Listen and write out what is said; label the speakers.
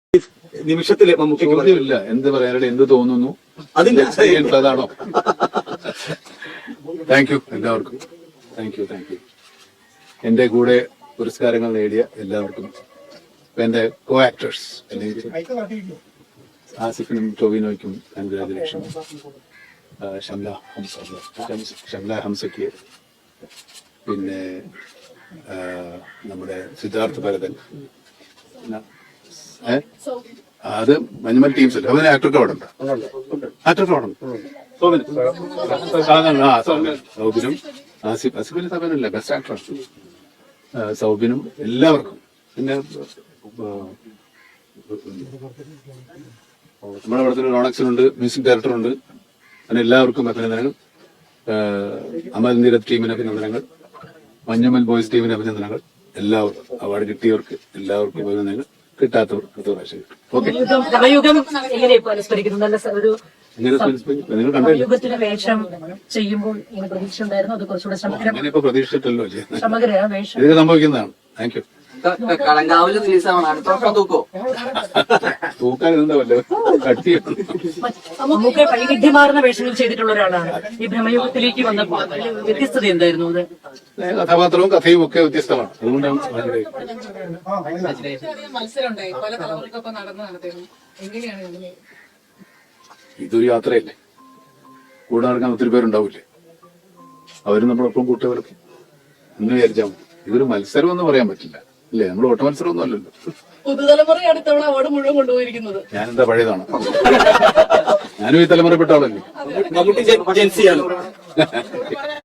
Speaker 1: നിമിഷത്തില്
Speaker 2: ചോദ്യമില്ല, എന്ത് പറയാനായിട്ട് എന്ത് തോന്നുന്നു
Speaker 1: അതിന്റെ
Speaker 2: അതാണോ? താങ്ക് യു എല്ലാവർക്കും, താങ്ക് യു. എന്റെ കൂടെ പുരസ്കാരങ്ങൾ നേടിയ എല്ലാവർക്കും, എന്റെ കോ ആക്ടേഴ്സ് ആസിഫിനും ടോവിനോയ്ക്കും കൺഗ്രാജുലേഷൻ. ഷംല ഹംസയ്ക്ക്, പിന്നെ നമ്മുടെ സിദ്ധാർത്ഥ് ഭരതൻ, അത് മഞ്ഞുമൽ ടീംസ് അല്ലേ, അവന് ആക്ടർക്ക് അവിടെ ഉണ്ട്, ആക്ടർക്ക് അവിടെ ഉണ്ട്. സൗബിനും ആസിഫിന് സബനല്ല ബെസ്റ്റ് ആക്ടർ, സൗബിനും എല്ലാവർക്കും. പിന്നെ നമ്മുടെ അവിടെ തന്നെ റോണക്സിനുണ്ട്, മ്യൂസിക് ഡയറക്ടറുണ്ട്. അങ്ങനെ എല്ലാവർക്കും അഭിനന്ദനങ്ങൾ. അമൽ നീരത് ടീമിന് അഭിനന്ദനങ്ങൾ, മഞ്ഞുമൽ ബോയ്സ് ടീമിന് അഭിനന്ദനങ്ങൾ. എല്ലാവർക്കും അവാർഡ് കിട്ടിയവർക്ക് എല്ലാവർക്കും അഭിനന്ദനങ്ങൾ, കിട്ടാത്തവർ അടുത്ത പ്രാവശ്യം കിട്ടും. ഓക്കെ, നിങ്ങൾ കണ്ടു അങ്ങനെ ഇപ്പൊ പ്രതീക്ഷിച്ചിട്ടല്ലോ ഇതൊക്കെ സംഭവിക്കുന്നതാണ്. Thank you. തൂക്കാൻ എന്താവല്ലോ കട്ടി
Speaker 3: നമുക്ക് വൈവിധ്യമാർന്ന വേഷങ്ങൾ ചെയ്തിട്ടുള്ള ഒരാളാണ്. ഈ ഭ്രമയുഗത്തിലേക്ക് വന്നപ്പോൾ വ്യത്യസ്തത എന്തായിരുന്നു? അത്
Speaker 2: കഥാപാത്രവും കഥയും ഒക്കെ വ്യത്യസ്തമാണ്. അതുകൊണ്ടാണ് ഇതൊരു യാത്രയല്ലേ, കൂടെ നടക്കാൻ ഒത്തിരി പേരുണ്ടാവില്ലേ, അവരും നമ്മളൊപ്പം കൂട്ടുകാരൊക്കെ എന്ന് വിചാരിച്ചാൽ മതി. ഇതൊരു മത്സരം എന്ന് പറയാൻ പറ്റില്ല അല്ലേ, നമ്മൾ ഓട്ട മത്സരം ഒന്നും അല്ലല്ലോ.
Speaker 3: പുതുതലമുറ അടുത്തവണ അവാർഡ് മുഴുവൻ കൊണ്ടുപോയിരിക്കുന്നത്
Speaker 2: ഞാനെന്താ പഴയതാണ്, ഞാനും ഈ തലമുറപ്പെട്ട ആളല്ലേ.